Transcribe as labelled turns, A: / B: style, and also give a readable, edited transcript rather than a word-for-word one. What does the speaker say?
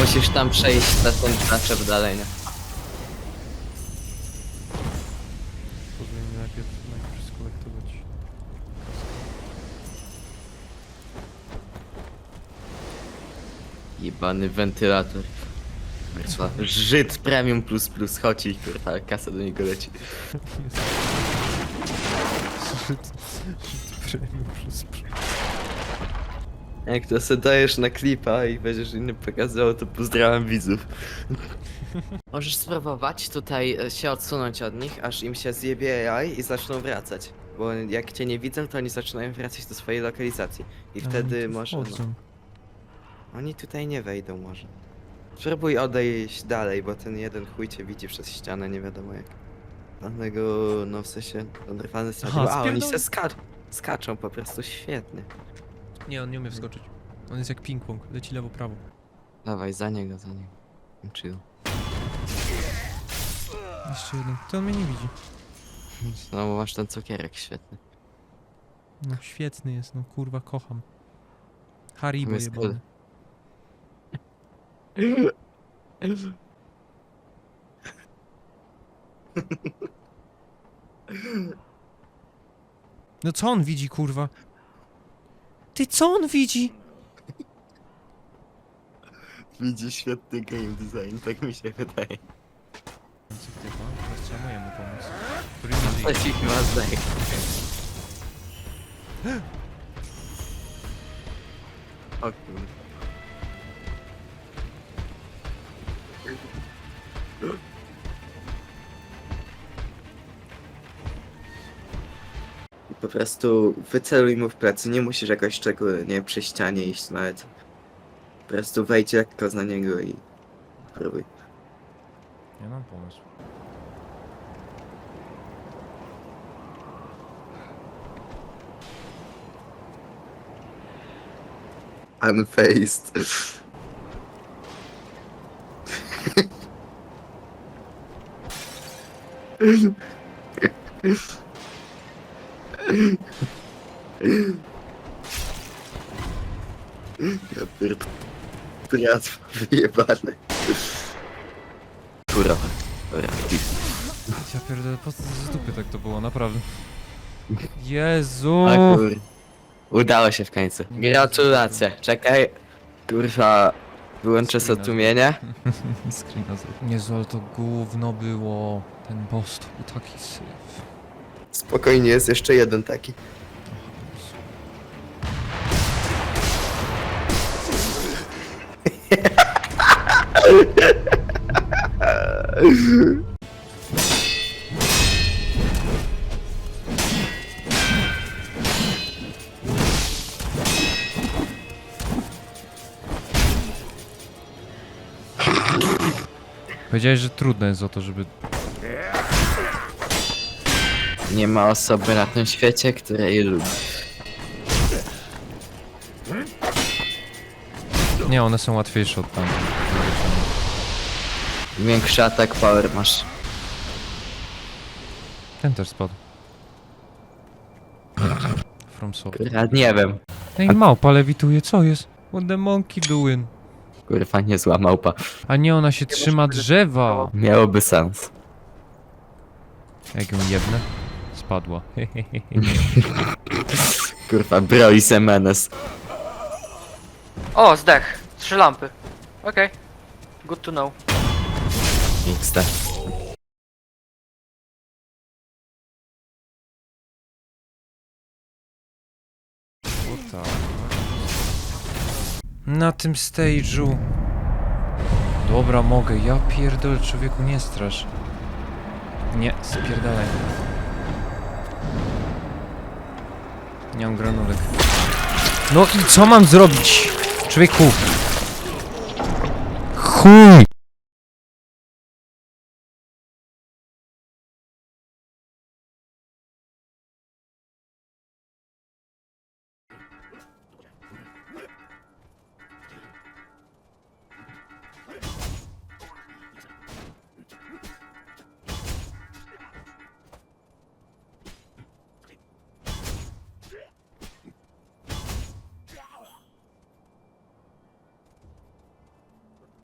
A: Musisz tam przejść na ten naczep dalej, nie?
B: Powinien najpierw skolektować.
A: Jebany wentylator. Kurwa, Żyd premium plus plus, chodź i kurwa, kasa do niego leci.
B: Premium plus.
A: Jak to se dajesz na klipa i będziesz innym pokazywał, to pozdrawiam widzów. Możesz spróbować tutaj się odsunąć od nich, aż im się zjebie AI i zaczną wracać. Bo jak cię nie widzą, to oni zaczynają wracać do swojej lokalizacji. I wtedy może... No, oni tutaj nie wejdą może. Spróbuj odejść dalej, bo ten jeden chuj cię widzi przez ścianę, nie wiadomo jak. Dlatego, no w sensie, oderwany sadził. A, oni se skaczą po prostu, świetnie.
B: Nie, on nie umie wskoczyć. On jest jak ping-pong, leci lewo, prawo.
A: Dawaj, za niego. Chill.
B: Jeszcze jeden. To on mnie nie widzi.
A: No bo masz ten cukierek świetny.
B: No świetny jest, no kurwa, kocham. Haribo
A: Jest
B: jebany. No co on widzi, kurwa? Ty, co on widzi?
A: Widzi świetny game design, tak mi się wydaje.
B: Teraz trzeba mojemu pomóc. Który
A: To ci chyba zdaje. O kurde. I po prostu wyceluj mu w plecy, nie musisz jakoś szczególnie przy ścianie iść nawet. Po prostu wejdź lekko za niego i próbuj.
B: Ja mam pomysł.
A: Unfaced. Ja pierd... Triatw wyjebany. Kurwa. Dobra,
B: Ja pierdolę, po co z dupy tak to było, naprawdę. Jezu!
A: a kur... Udało się w końcu. Gratulacje. Czekaj. Kurwa. Wyłączę sobie tłumienie.
B: Screena zrób. Jezu, ale to gówno było. Ten boss to był taki syf.
A: Spokojnie, jest jeszcze jeden taki.
B: Powiedziałeś, że trudne jest o to, żeby...
A: Nie ma osoby na tym świecie, której lubi.
B: Nie, one są łatwiejsze od tam.
A: Większy atak power masz.
B: Ten też spadł. From Soul.
A: Kurwa, nie wiem.
B: Ej, małpa lewituje, co jest? What the monkey doing?
A: Kurwa, niezła małpa.
B: A nie, ona się trzyma drzewa!
A: Miałoby sens.
B: Jak ją jebnę? Spadła.
A: Kurwa, bro i semenes.
C: O, zdech. 3 lampy. Okej. Good to know.
A: XD.
B: Na tym stage'u. Dobra, mogę. Ja pierdolę, człowieku, nie strasz. Nie, spierdalaj. Nie mam granulek. No i co mam zrobić? Człowieku. Chuj!